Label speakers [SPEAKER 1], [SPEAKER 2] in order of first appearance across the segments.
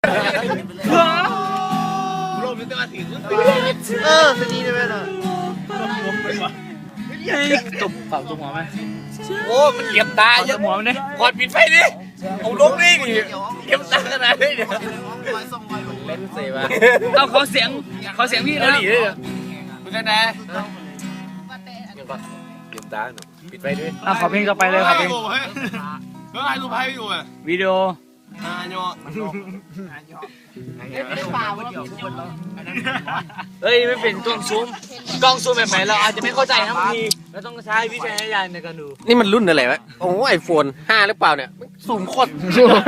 [SPEAKER 1] ลมมันจะมาถึง
[SPEAKER 2] สนีได้ไหมล่ะ
[SPEAKER 3] ตบเป่าตบหัวไหม
[SPEAKER 1] โอ้มันเหลี่ยมตาเยอะ
[SPEAKER 3] หัวมันเนี่ย
[SPEAKER 1] กอดปิดไฟดิเอาลงนี่ดิเหลี่ยมตาขนาดนี้เดี๋ยวเล่นเสียมา
[SPEAKER 3] เอาเขาเสียงพี่นะ
[SPEAKER 1] มึงกันนะยังก่อนเหลี่ยมตาหนูปิดไฟด้วย
[SPEAKER 3] ขอเพลงต่อไปเลยครับเพลง
[SPEAKER 1] เฮ้ยถ่ายรูปให้อยู่อ่ะ
[SPEAKER 3] วิดีโอ เฮ้ยไม่เป็นกล้องซูมแบบไหนเราอาจจะไม่เข้าใจนะบางทีเราต้องใช้วิจารณญาณในการดู
[SPEAKER 1] นี่มันรุ่นอะไรวะโอ้ไอโฟน5หรือเปล่าเนี่ยสูงโคตร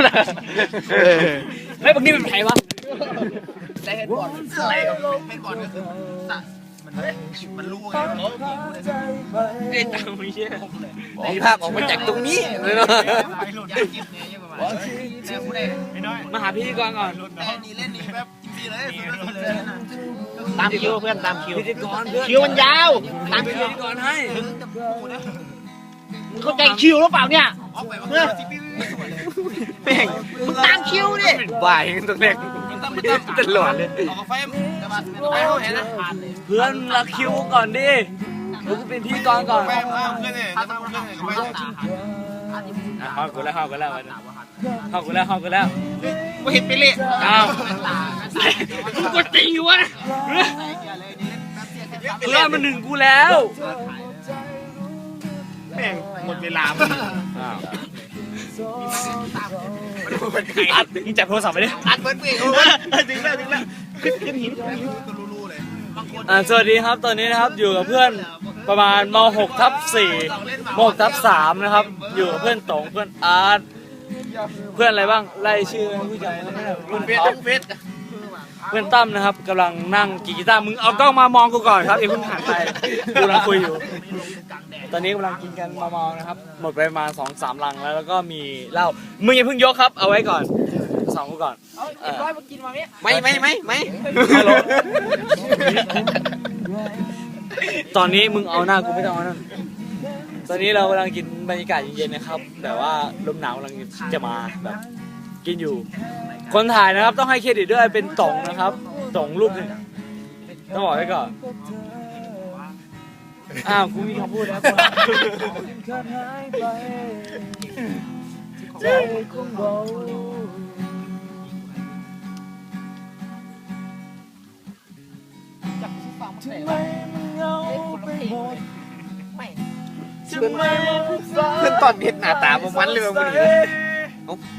[SPEAKER 3] เฮ้ยบางทีมันไผวะ
[SPEAKER 2] ได้เห็นก่อนอะไรเป็นก่อนก็คือมันรู้ไง
[SPEAKER 3] ไอ้ตังไม่เชื่อ
[SPEAKER 1] มีภาพออกมาจากตรงนี้เลยเนาะ
[SPEAKER 2] ไปหลุดยาจิบเนี่ยยังประมาณแต่ผู้ใด
[SPEAKER 3] มาหาพี่ก่อน
[SPEAKER 2] แต่นี่เล่นนี่แบบจริงๆเลย
[SPEAKER 1] ตามคิวเพื่อนตามคิว
[SPEAKER 3] พิธีกรเพื่อน
[SPEAKER 1] คิวมันยาวตาม
[SPEAKER 3] พิ
[SPEAKER 1] คิว
[SPEAKER 3] ธีกรให้
[SPEAKER 1] มึงเข้าใจคิวหรือเปล่าเนี่ย
[SPEAKER 2] ออกไปว่าจิบ
[SPEAKER 1] แม่งมึงตามคิวดิบ่ายตรงแรกตลอดเลย
[SPEAKER 2] ออกไฟแต่ว่าไปเขาเห็นนะ
[SPEAKER 3] เพื่อนรักคิวก่อนดิมึงเป็นพิธีกรก่อน
[SPEAKER 2] แม่มาเพื่อนเนี่ยถ้าเพื่อนเนี่ยไป
[SPEAKER 3] เข้ากูแล้ว
[SPEAKER 1] กูเห็นไปเลย
[SPEAKER 3] อ้าวกูจริงอยู่วะเพื่อนมันหนึ่งกูแล้ว
[SPEAKER 1] แม่งหมดเวลา
[SPEAKER 3] อัดมึงจับโทรศัพท์ไปดิ
[SPEAKER 1] อัดเปิดเบรกถึงแล้วขึ้นหิน
[SPEAKER 3] สวัสดีครับตอนนี้นะครับอยู่กับเพื่อนประมาณม.6/4 ม.6/3 นะครับอยู่กับเพื่อนต๋งเพื่อนอาร์ตเพื่อนอะไรบ้างไล่ชื่อผู้จัดเพื่อนท็อปเพื่อนตั้มนะครับกำลังนั่งกีตาร์มึงเอากล้องมามองกูก่อนครับอย่าเพิ่งหันไปกูกำลังคุยอยู่ตอนนี้กำลังกินกันมามองนะครับหมดไปประมาณ 2-3 ลังแล้วก็มีเหล้ามึงอย่าเพิ่งยกครับเอาไว้ก่อนสองกูก่อน
[SPEAKER 1] ไม่
[SPEAKER 3] ตอนนี้มึงเอาหน้ากูไม่ต้องเอานั่นตอนนี้เรากำลังกินบรรยากาศเย็นๆนะครับแต่ว่าลมหนาวกำลังจะมาแบบกินอยู่คนถ่ายนะครับต้องให้เครดิตด้วยเป็นต๋งนะครับต๋งรูปหนึ่งต้องบอกไว้ก่อนอ้าวกูมีคำพูดแล้ว
[SPEAKER 1] เพื่อนตอนเห็นหน้าตามันเลยมึง